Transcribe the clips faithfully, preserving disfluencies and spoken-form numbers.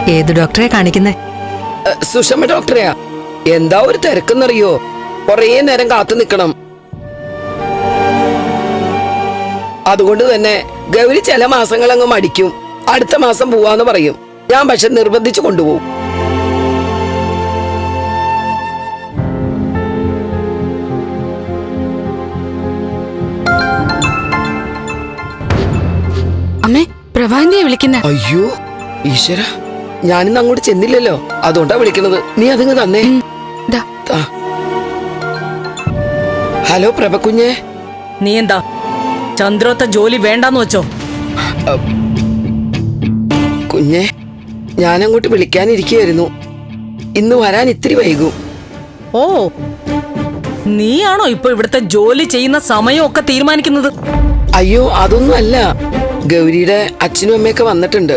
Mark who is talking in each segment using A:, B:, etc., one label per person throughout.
A: ഏത് ഡോക്ടറെ കാണിക്കുന്നേ?
B: സുഷമ ഡോക്ടറെയാ. എന്താ ഒരു തിരക്കെന്നറിയോ? കൊറേ നേരം കാത്തു നിക്കണം. അതുകൊണ്ട് തന്നെ ഗൗരി ചില മാസങ്ങളങ്ങ് മടിക്കും. അടുത്ത മാസം പോവാന്ന് പറയും. ഞാൻ പക്ഷെ നിർബന്ധിച്ചു കൊണ്ടുപോകും.
C: അമ്മേ, പ്രഭാന്തിയെ വിളിക്കുന്ന.
B: അയ്യോ ഈശ്വര, ഞാനിന്ന് അങ്ങോട്ട് ചെന്നില്ലല്ലോ, അതുകൊണ്ടാ വിളിക്കുന്നത്. നീ അതിങ്ങ് തന്നേ. ഹലോ പ്രഭക്കുഞ്ഞെ.
D: നീ എന്താ ചന്ദ്രോത്ത ജോലി വേണ്ടാന്ന് വെച്ചോ?
B: കുഞ്ഞെ, ഞാനങ്ങോട്ട് വിളിക്കാനിരിക്കുകയായിരുന്നു. ഇന്ന് വരാൻ ഇത്തിരി വൈകും.
D: ഓ, നീയാണോ ഇപ്പൊ ഇവിടുത്തെ ജോലി ചെയ്യുന്ന സമയമൊക്കെ തീരുമാനിക്കുന്നത്?
B: അയ്യോ അതൊന്നും അല്ല, ഗൗരിയുടെ അച്ഛനും അമ്മയൊക്കെ വന്നിട്ടുണ്ട്.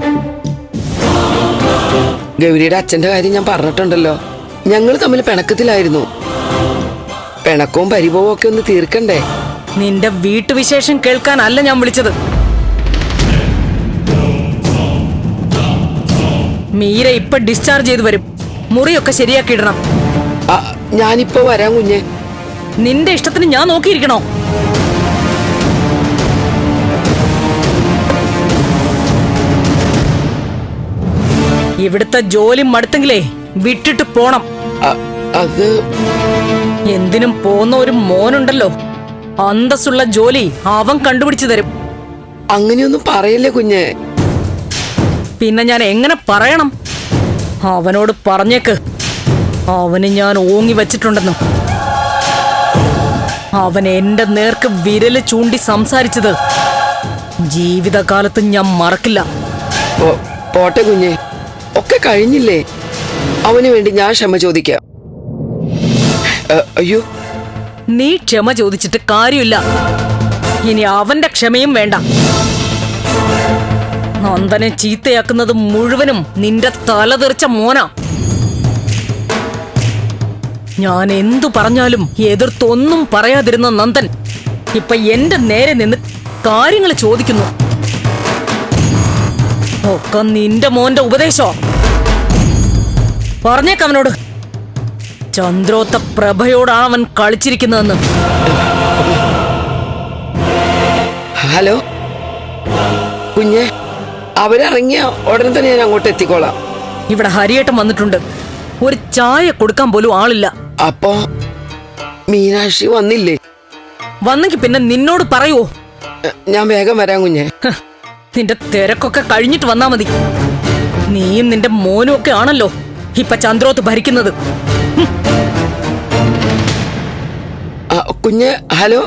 B: ഗൗരിയുടെ അച്ഛന്റെ കാര്യം ഞാൻ പറഞ്ഞിട്ടുണ്ടല്ലോ. ഞങ്ങൾ തമ്മിൽ പിണക്കത്തിലായിരുന്നു. പിണക്കവും പരിഭവവും ഒക്കെ ഒന്ന് തീർക്കണ്ടേ?
D: നിന്റെ വീട്ടുവിശേഷം കേൾക്കാനല്ല ഞാൻ വിളിച്ചത്. മീര ഇപ്പൊ ഡിസ്ചാർജ് ചെയ്ത് വരും. മുറിയൊക്കെ ശരിയാക്കി ഇടണം.
B: ഞാനിപ്പോ വരാം കുഞ്ഞെ.
D: നിന്റെ ഇഷ്ടത്തിന് ഞാൻ നോക്കിയിരിക്കണോ? ഇവിടുത്തെ ജോലി മടുത്തെങ്കിലേ വിട്ടിട്ട് പോണം.
B: അത്
D: എന്തിനും പോന്ന ഒരു മോനുണ്ടല്ലോ, അന്തസ്സുള്ള ജോലി അവൻ കണ്ടുപിടിച്ചു തരും.
B: അങ്ങനെയൊന്നും പറയല്ലേ കുഞ്ഞെ.
D: പിന്നെ ഞാൻ എങ്ങനെ പറയണം? അവനോട് പറഞ്ഞേക്ക്, അവന് ഞാൻ ഓങ്ങി വച്ചിട്ടുണ്ടെന്ന്. അവൻ എന്റെ നേർക്ക് വിരല് ചൂണ്ടി സംസാരിച്ചത് ജീവിതകാലത്ത് ഞാൻ മറക്കില്ല.
B: പോട്ടെ കുഞ്ഞെ, ഒക്കെ കഴിഞ്ഞില്ലേ. അവന് വേണ്ടി ഞാൻ ക്ഷമ ചോദിക്കാം. അയ്യോ,
D: നീ ക്ഷമ ചോദിച്ചിട്ട് കാര്യമില്ല. ഇനി അവന്റെ ക്ഷമയും വേണ്ട. നന്ദനെ ചീത്തയാക്കുന്നത് മുഴുവനും നിന്റെ തലതെറിച്ച മോനാ. ഞാൻ എന്തു പറഞ്ഞാലും എതിർത്തൊന്നും പറയാതിരുന്ന നന്ദൻ ഇപ്പൊ എന്റെ നേരെ നിന്ന് കാര്യങ്ങൾ ചോദിക്കുന്നു. ഒക്കെ നിന്റെ മോന്റെ ഉപദേശോ? പറഞ്ഞേക്കവനോട്, ചന്ദ്രോത്ത പ്രഭയോടാണ് അവൻ കളിച്ചിരിക്കുന്നതെന്ന്.
B: ഹലോ കുഞ്ഞെ, അവരിറങ്ങിയ ഉടനെ തന്നെ ഞാൻ അങ്ങോട്ട് എത്തിക്കോളാം.
D: ഇവിടെ ഹരിയേട്ടൻ വന്നിട്ടുണ്ട്. ഒരു ചായ കൊടുക്കാൻ പോലും ആളില്ല.
B: അപ്പോ മീനാക്ഷി വന്നില്ലേ?
D: വന്നെങ്കിൽ പിന്നെ നിന്നോട് പറയുവോ?
B: ഞാൻ വേഗം വരാം കുഞ്ഞെ.
D: നിന്റെ തിരക്കൊക്കെ കഴിഞ്ഞിട്ട് വന്നാ മതി. നീയും നിന്റെ മോനും ഒക്കെ ആണല്ലോ ഇപ്പൊ ചന്ദ്രോത്ത് ഭരിക്കുന്നത്.
B: കുഞ്ഞെ, ഹലോ.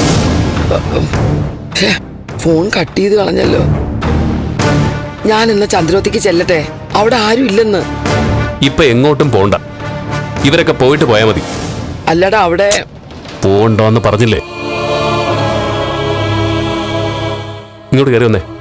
B: ഫോൺ കട്ട് ചെയ്ത് കളഞ്ഞല്ലോ. ഞാൻ ഇന്ന് ചന്ദ്രോത്തേക്ക് ചെല്ലട്ടെ, അവിടെ ആരും ഇല്ലെന്ന്.
E: ഇപ്പൊ എങ്ങോട്ടും പോണ്ട, ഇവരൊക്കെ പോയിട്ട് പോയാ മതി.
B: അല്ലടാ, അവിടെ
E: പോണ്ടോന്ന് പറഞ്ഞില്ലേ? ഇങ്ങോട്ട് കയറി വന്നേ.